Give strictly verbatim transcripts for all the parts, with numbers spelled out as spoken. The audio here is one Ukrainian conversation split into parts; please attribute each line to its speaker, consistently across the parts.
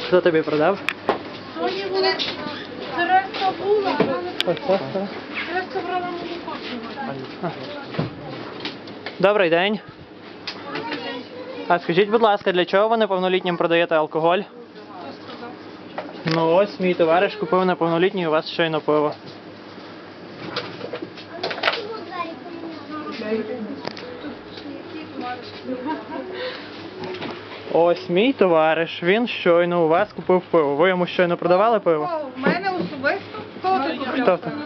Speaker 1: Хто тобі продав?
Speaker 2: Соня була, Тереска була, а вона не
Speaker 1: Ось
Speaker 2: прийшла.
Speaker 1: це.
Speaker 2: Тереска брала молоко сьогодні.
Speaker 1: Добрий день. А скажіть, будь ласка, для чого ви неповнолітнім продаєте алкоголь?
Speaker 2: Хто сказав?
Speaker 1: Ну ось мій товариш купив неповнолітній у вас щойно пиво. Ось мій товариш, він щойно у вас купив пиво. Ви йому щойно продавали пиво?
Speaker 2: В мене особисто? Хто ти
Speaker 1: Хто це?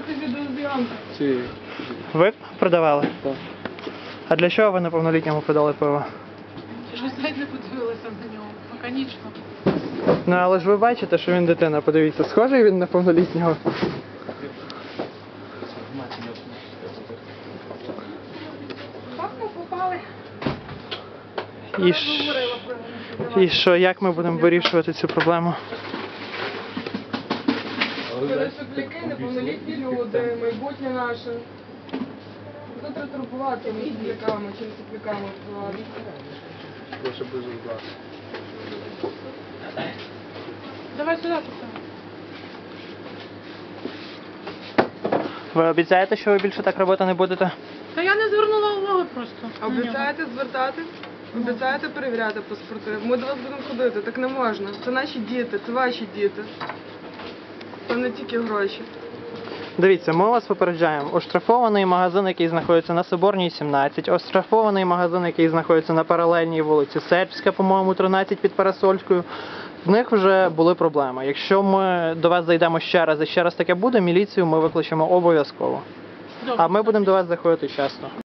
Speaker 1: Ви продавали?
Speaker 3: Так.
Speaker 1: А для чого ви неповнолітньому продали пиво?
Speaker 2: Я ж навіть не подивилася на нього. Механічно.
Speaker 1: Ну але ж ви бачите, що він дитина, подивіться, схожий він на повнолітнього?
Speaker 2: Папа попали.
Speaker 1: І, ш... І що, як ми будемо вирішувати цю проблему?
Speaker 4: Пересопляки, неповнолітні люди, майбутнє наше. Хто треба турбувати між сопляками чи не сопляками впливати?
Speaker 3: Лише без удару.
Speaker 2: Давай сюди поставимо.
Speaker 1: Ви обіцяєте, що ви більше так робити не будете?
Speaker 2: Та я не звернула уваги просто. на нього.
Speaker 4: Обіцяєте звертати? Обіцяєте перевіряти паспорти? Ми до вас будемо ходити, так не можна. Це наші діти, це ваші діти. Це не тільки гроші.
Speaker 1: Дивіться, ми вас попереджаємо. Оштрафований магазин, який знаходиться на Соборній, сімнадцять. Оштрафований магазин, який знаходиться на паралельній вулиці Сербська, по-моєму, тринадцять під Парасольською. В них вже були проблеми. Якщо ми до вас зайдемо ще раз і ще раз таке буде, міліцію ми викличемо обов'язково.
Speaker 2: Добре.
Speaker 1: А ми будемо до вас заходити часто.